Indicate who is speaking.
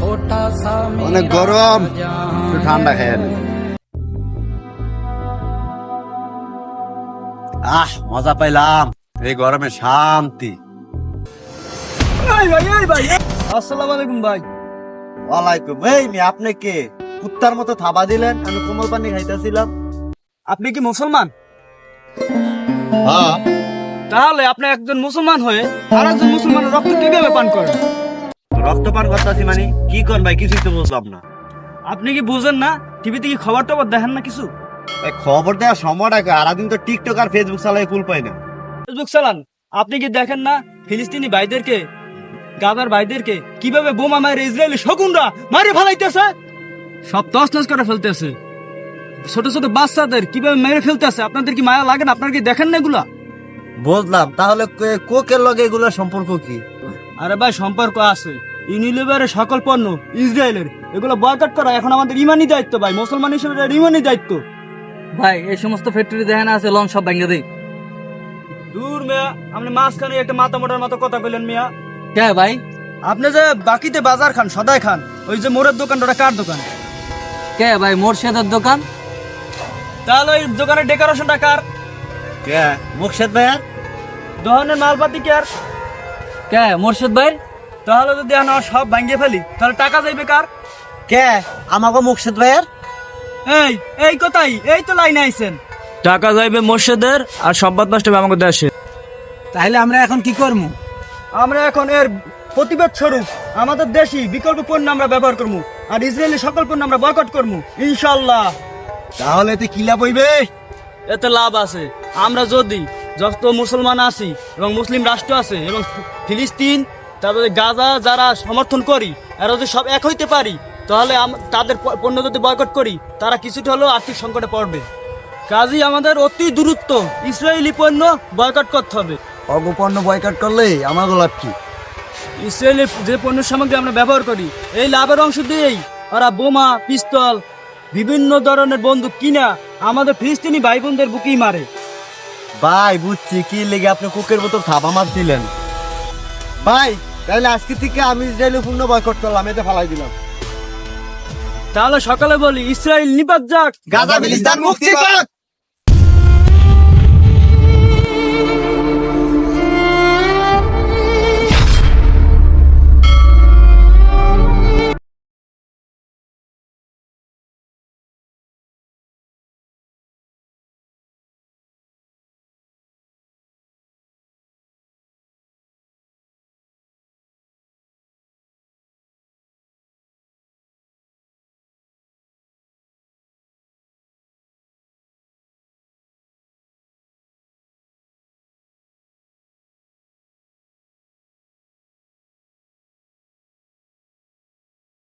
Speaker 1: অনেক গরম, একটু ঠান্ডা খেয়ে মজা পাইলাম এই গরমে, শান্তি।
Speaker 2: আসসালামু আলাইকুম ভাই।
Speaker 1: ওয়ালাইকুম। আপনি কে? কুত্তার মতো থাবা দিলেন, আমি কোমল পানি খাইতেছিলাম।
Speaker 2: আপনি কি মুসলমান?
Speaker 1: হ্যাঁ।
Speaker 2: তাহলে আপনি একজন মুসলমান হয়ে আর একজন মুসলমানের রক্ত কিভাবে পান করেন?
Speaker 1: রক্তপান করতেছি মানে কি করেন ভাই? কিছুই তো বুঝলাম না।
Speaker 2: আপনি কি বুঝেন না? টিভিতে কি খবর টবর দেখেন না কিছু?
Speaker 1: এই খবর দেওয়ার সময়টা সারাদিন তো টিকটক আর ফেসবুক চালাই, কুল পাই না।
Speaker 2: ফেসবুক চালান, আপনি কি দেখেন না ফিলিস্তিনি ভাইদেরকে, গাজার ভাইদেরকে কিভাবে বোমা মারে ইসরায়েলি শকুনরা মারে ফেলাইতেছে, সব তছনছ করে ফেলতেছে। ছোট ছোট বাচ্চাদের কিভাবে মেরে ফেলতেছে। আপনাদের কি মায়া লাগে না? আপনারা কি দেখেন না এগুলা?
Speaker 1: বুঝলাম, তাহলে কোকের লগে এগুলোর সম্পর্ক কি?
Speaker 2: আরে ভাই, সম্পর্ক আছে। ইউনিলিভারের সকল পণ্য ইসরায়েলের, এগুলো বয়কট করা এখন আমাদের ইমানি দায়িত্ব ভাই। মুসলমান হিসেবে এটা ইমানি দায়িত্ব
Speaker 3: ভাই। এই সমস্ত ফ্যাক্টরি দেখে না আছে, লন সব ভেঙে দেই।
Speaker 2: দূর মিয়া, আপনি মাঝখানে একটা মাথা মোটার মতো কথা বললেন মিয়া।
Speaker 3: কে ভাই?
Speaker 2: আপনি যে বাকিতে বাজার খান, সদাই খান, ওই যে মোড়ের দোকান, ওটা কার দোকান?
Speaker 3: কে ভাই? মোর্শেদের দোকান।
Speaker 2: তাহলে ওই দোকানের ডেকোরেশনটা কার?
Speaker 1: কে? মুর্শেদ ভাইয়ার।
Speaker 2: দোকানের মালপাতি কার?
Speaker 3: কে? মোর্শেদ ভাই।
Speaker 2: তাহলে যদি আমরা সব ভাঙিয়ে ফেলি তাহলে টাকা যাইবে কার?
Speaker 1: কে? আমাকে মুর্শেদ ভাইয়ার।
Speaker 2: এই এই কথাই, এই তো লাইনে আইছেন।
Speaker 4: টাকা যাইবে মোর্শেদের আর সম্বাদ নষ্ট হবে আমাকে দেশে।
Speaker 3: তাহলে আমরা এখন কি করবো?
Speaker 2: আমরা এখন এর প্রতিবাদ স্বরূপ আমাদের দেশি বিকল্প পণ্য আমরা ব্যবহার করবো, আর ইসরায়েলি সকল পণ্য আমরা বয়কট করবো ইনশাল্লাহ।
Speaker 1: তাহলে এতে কি লাভ হইবে?
Speaker 2: এতে লাভ আছে। আমরা যদি যত মুসলমান আছি এবং মুসলিম রাষ্ট্র আছে এবং ফিলিস্তিন, তারপরে গাজা যারা সমর্থন করি, এরা যদি সব এক হইতে পারি, তাহলে তাদের পণ্য যদি বয়কট করি, তারা কিছুটা হলেও আর্থিক সংকটে পড়বে। কাজেই আমাদের অতি দ্রুত ইসরায়েলি পণ্য বয়কট করতে হবে।
Speaker 1: অগপণ্য বয়কট করলে আমাকে লাভ কি?
Speaker 2: ইসরায়েলের যে পণ্য সামগ্রী আমরা ব্যবহার করি, এই লাভের অংশ দিয়েই ওরা বোমা, পিস্তল, বিভিন্ন ধরনের বন্দুক কিনা আমাদের ফিলিস্তিনি ভাই বোনদের বুকেই মারে।
Speaker 1: ভাই বুঝছি কি লেগে আপনি কুকের মতো থাবা মারছিলেন। ভাই তাহলে আজকে থেকে আমি ইসরায়েলি পণ্য বয়কট করলাম, এতে ফালাই দিলাম।
Speaker 2: তাহলে সকালে বলি ইসরায়েল নিপাত যাক,
Speaker 1: গাজা ফিলিস্তিন মুক্তি পাক।